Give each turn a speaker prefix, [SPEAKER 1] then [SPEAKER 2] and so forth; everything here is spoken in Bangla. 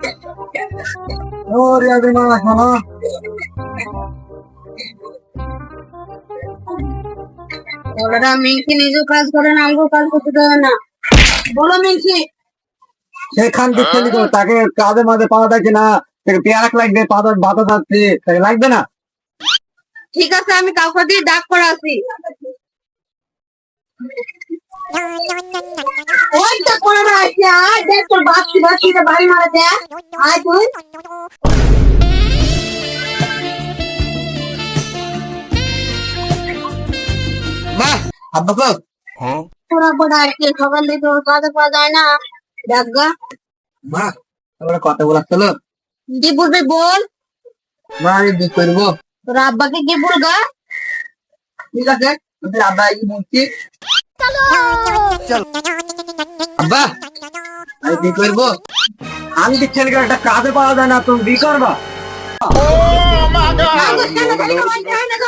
[SPEAKER 1] ও রিয়াদের মা শোনো,
[SPEAKER 2] ওরা মিঙ্কি নিজেও কাজ করে না, আমাকেও কাজ করতে দেবে না। বলো মিঙ্কি।
[SPEAKER 1] সেখান থেকে তাকে কাজে মাঝে পাওয়া থাকে না, তাকে পেয়ারা লাগবে, পাতা বাতা যাচ্ছে, তাকে লাগবে না।
[SPEAKER 2] ঠিক আছে, আমি কাউকে দিয়ে ডাক করাছি। ওইটা করে না আইছে, আয় দেখ তোর বাচ্চি বাচ্চিটা বাড়ি মারা দেখ। আয় তুই।
[SPEAKER 1] মা আব্বা কো
[SPEAKER 2] তোরা বড় আর কি খবর দিতে ওর কাজে পাওয়া যায় না। দেখ গা।
[SPEAKER 1] মা আমরা কথা বলাচ্ছিল।
[SPEAKER 2] কি বলবি বল।
[SPEAKER 1] মা আমি বিয়ে করবো।
[SPEAKER 2] তোর আব্বাকে কি বলগা?
[SPEAKER 1] ঠিক আছে, আমি আব্বা এই বলছি। আব্বা আমি বিয়ে করবো। আমি কি ছেলেকে একটা কাজে পাওয়া যায় না, তুমি বিয়ে করবা?
[SPEAKER 2] কেন